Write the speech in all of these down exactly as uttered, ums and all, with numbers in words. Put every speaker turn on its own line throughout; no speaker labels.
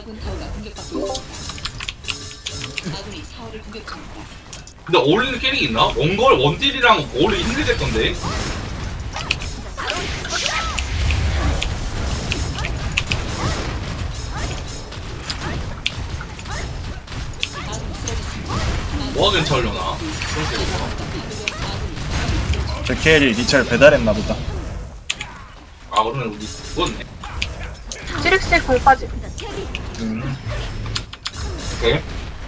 근데 어울리는 캐릭이 있나? 원걸 원딜이랑 어울리기 힘들겠던데. 뭐가 괜찮으려나?
저 케일이 리첼 배달했나 보다.
아 그러면 우리 죽었네.
찌릭스의 공 빠짐.
음.
오케이.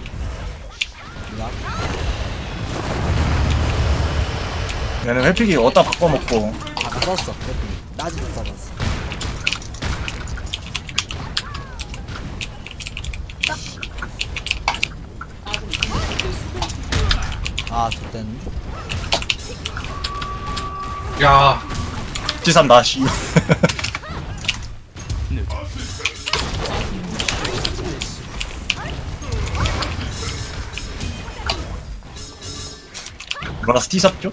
얘는 회픽이 어디다 바꿔먹고.
아까 썼어. 따지도 써봤어. 아, 좋댔네.
야,
지삼 나시. 뭐라서 티샵죠?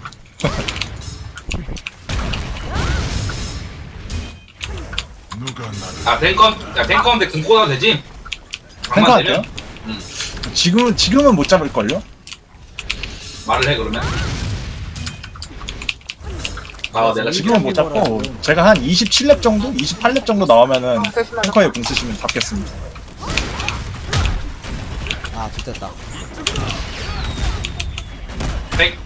아 탱컨, 야 탱컨인데 금고 나도 되지?
탱커
장만
할게요?
되면? 응.
지금은, 지금은 못 잡을걸요?
말을 해 그러면. 아 내가 지금
지금은 못 잡고, 제가 한 이십칠 렙 정도? 이십팔 렙 정도 나오면은 탱커에 공 쓰시면 잡겠습니다.
아, 좋댔다.
백.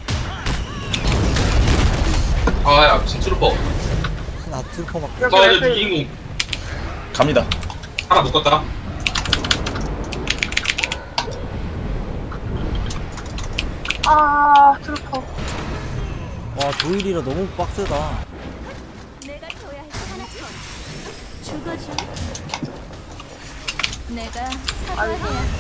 아야 진트루퍼.
나 트루퍼 막.
여기
아 이제
왼쪽에
주인공
갑니다.
하나 묶었다.
아 트루퍼.
와, 도일이라 너무 빡세다.
내가 둬야 할 하나 죽어줘. 내가 사과해야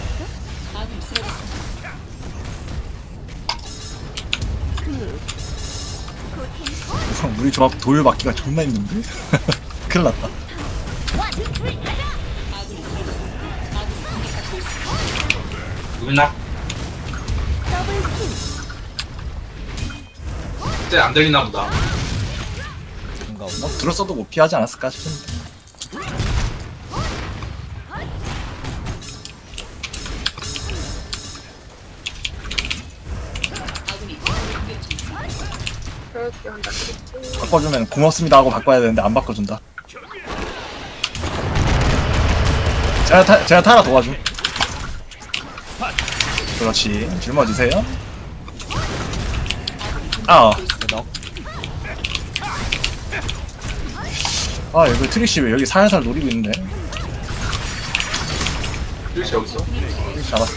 우리 조합 돌 막기가 존나 힘든데? 큰일 났다.
누구나? 이제 안 들리나 보다.
뭔가
뭐, 들었어도 못 피하지 않았을까 싶은데.
이렇게 한다. 찌릭스.
바꿔주면 고맙습니다 하고 바꿔야 되는데 안 바꿔준다. 제가 타, 제가 타라 도와줌. 그렇지. 짊어지세요. 아,
넉.
아 이거 트릭시 왜 여기 살살 노리고 있는데?
일시 여기 있어?
트릭시 잡았어.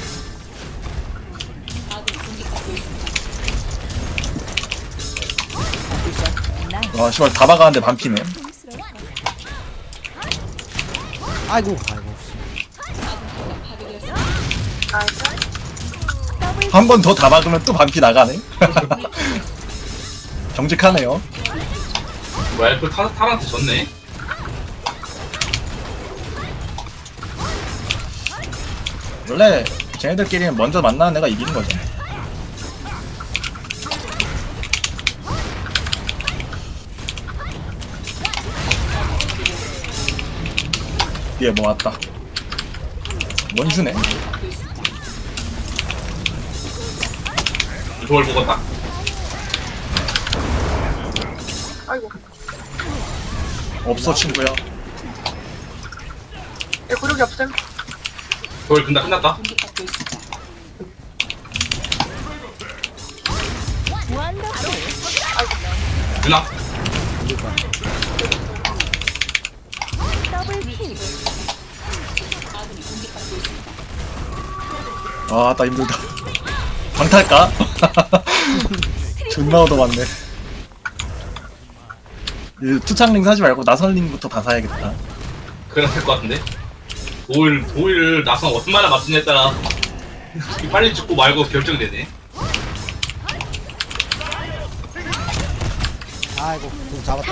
와 씨발 다 박았는데 반피네.
아이고, 아이고.
나이스.
한 번 더 다 박으면 또 반피 나가네. 정직하네요.
뭐야 엘프 타, 타한테 졌네?
원래 쟤네들끼리는 먼저 만나는 애가 이기는 거죠. 얘 뭐 왔다. 원주네.
저걸 먹었다.
아이고.
없어 친구야.
얘 구력이 없음.
저걸 근다 끝났다. 누나?
이길 거야.
아, 나 힘들다. 방탈까? 존나 얻어맞네. 이 투창링 사지 말고 나선링부터 다 사야겠다.
그래야 될 것 같은데? 도일, 도일을 나선 얼마나 맞추냐에 따라 빨리 죽고 말고 결정되네.
아이고, 좀 잡았다.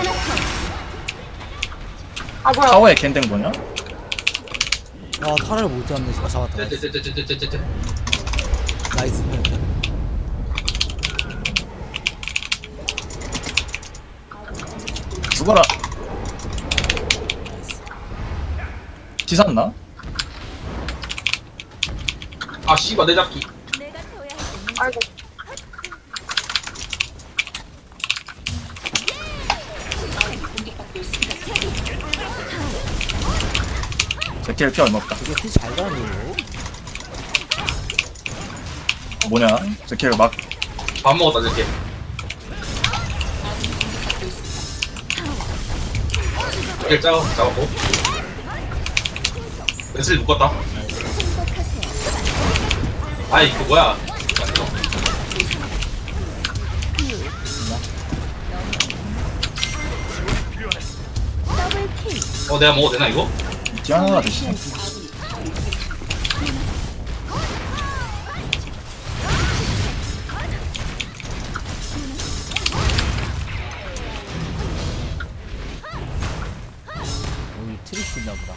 아 뭐야.
타워에 캔댕 뭐냐?
와, 타를 못 잡네. 아, 잡았다. 나이스.
째째째째째째째.
나이스.
죽어라. 지샀나?
아 씨발 내 잡기.
내가 둬야 할 건
아이고.
제킬 피 얼마 없다.
이게 피잘 가는
뭐냐? 제킬 막
밥 먹었다 이렇게. 이렇게 짜 잡았고. 웨슬리 묶었다.
행복하세요.
아이 그 뭐야?
더블 킬.
어 내가 먹어도 되나 이거?
디아나가 대신
오늘 트릭스 있나 보다.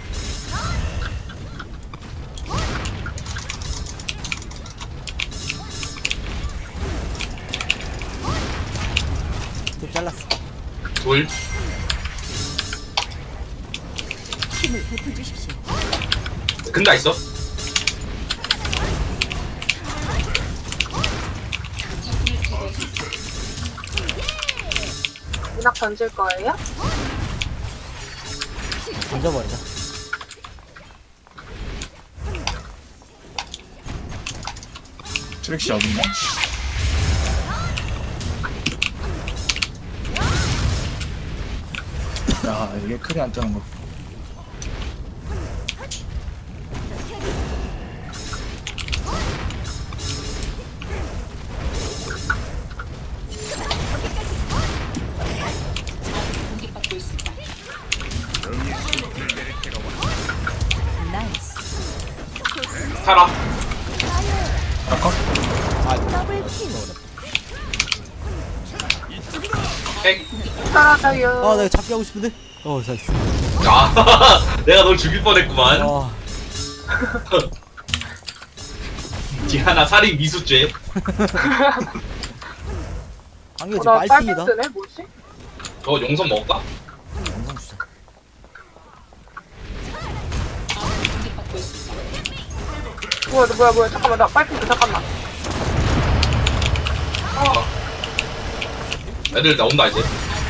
좀 잘랐어.
둘.
힘을 베풀주십시오.
근다 있어?
문학 던질 거예요?
던져버리자.
트릭시 어딨냐? 야 이게 크게 안 뜨는 거.
나이스.
살아.
아까
더블 킬.
핵.
따라가요.
아, 내가 잡기 하고 싶은데? 어, 잘했어.
아 내가 널 죽일 뻔했구만.
아,
디아나 살인 미수죄.
한개
어,
지금
나
빨핑이다.
빨간색네 뭐지?
저 용선 먹을까?
영상 주자.
뭐야 뭐야 뭐야 잠깐만 나 빨핑 잠깐만.
애들 나온다 이제.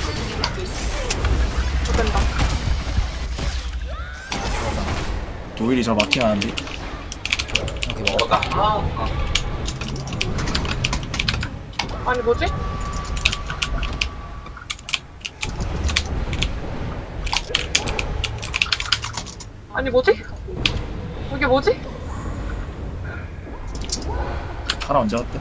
못된다.
도일이 저 마킹 하는데.
오케이, 먹어.
먹었다. 아, 아.
아니 뭐지? 아니 뭐지? 이게 뭐지?
하나 언제 왔대?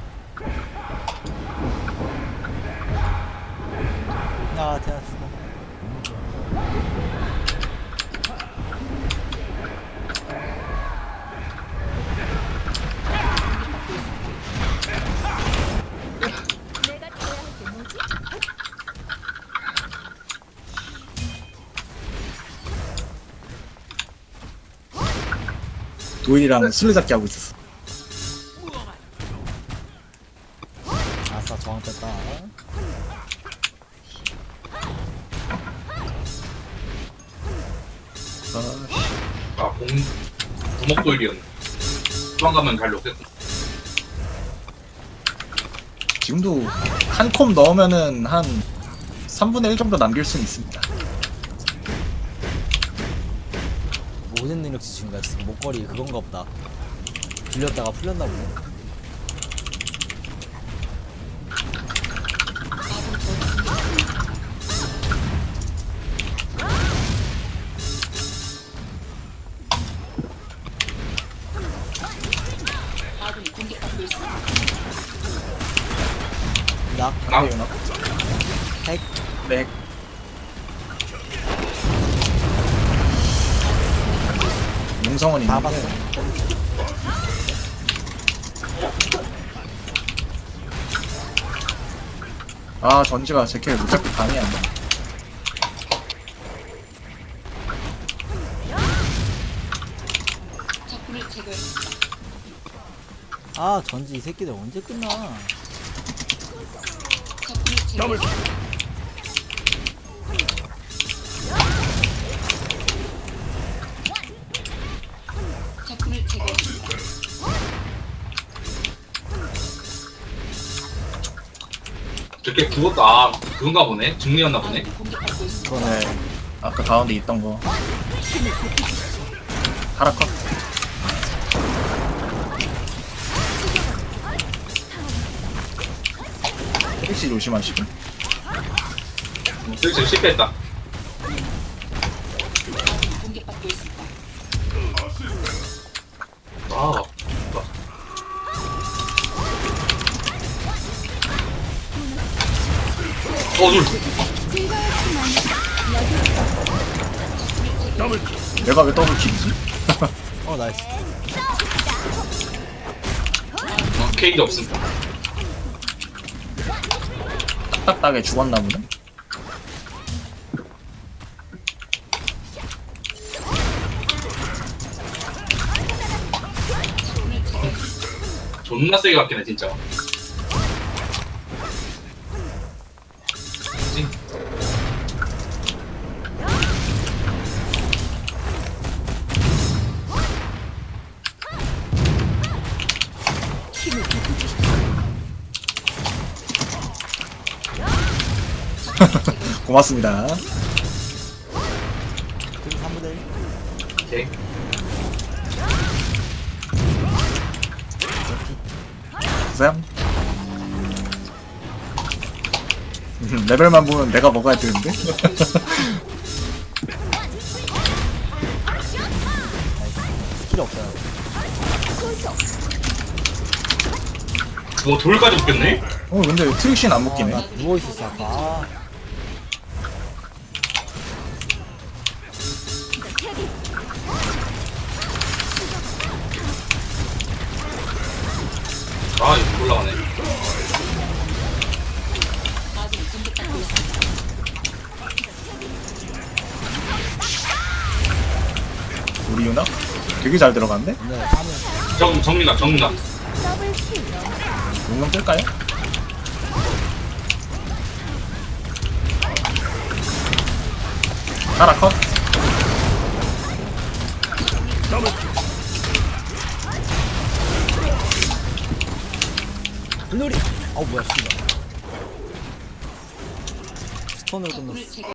아, 대났어.
내가 둬야 할 게 뭐지?
도일이랑 술래잡기 하고 있었어.
아싸, 저항 뺐다.
아씨.
아, 공, 구목도일이었네. 도망가면 잘 녹겠군.
지금도 한 콤 넣으면은 한 삼분의 일 정도 남길 수는 있습니다.
모든 능력치 증가. 목걸이 그건가 보다. 빌렸다가 풀렸나 보네. 나
나?
네, 연합.
핵.
네. 용성은
다
있는데
봤어.
아 전지가 제킬 무작위 감이 안 나.
아, 전지 이 새끼들 언제 끝나?
걔 그것도 아 그건가 보네. 중리였나 보네.
이번에 아까 가운데 있던 거 하라컷. 택시 조심하시고.
슬슬 실패했다. 아, 어, 둘.
내가 왜 더블킬이지?
어 나이스.
어, 케이지 없음.
딱딱하게 죽었나 보네.
존나 세게 맞긴 해, 진짜. 뭐지?
힘을 베풀
고맙습니다.
그리고 삼분의 일.
오케이.
쌤. 음, 레벨만 보면 내가 먹어야 되는데.
스킬 없어요.
뭐, 돌까지 웃겼네?
어 근데 트릭신 안
아,
먹기네.
나 누워 있었어 아까. 아,
아, 이거 올라가네.
우리 유나 되게 잘 들어갔네.
네, 하면
정, 정민아, 정민아.
더블 킬.
용량 뜰까요? 하라컷.
물놀이. 어 뭐야 씨발. 스톤으로 끝났어.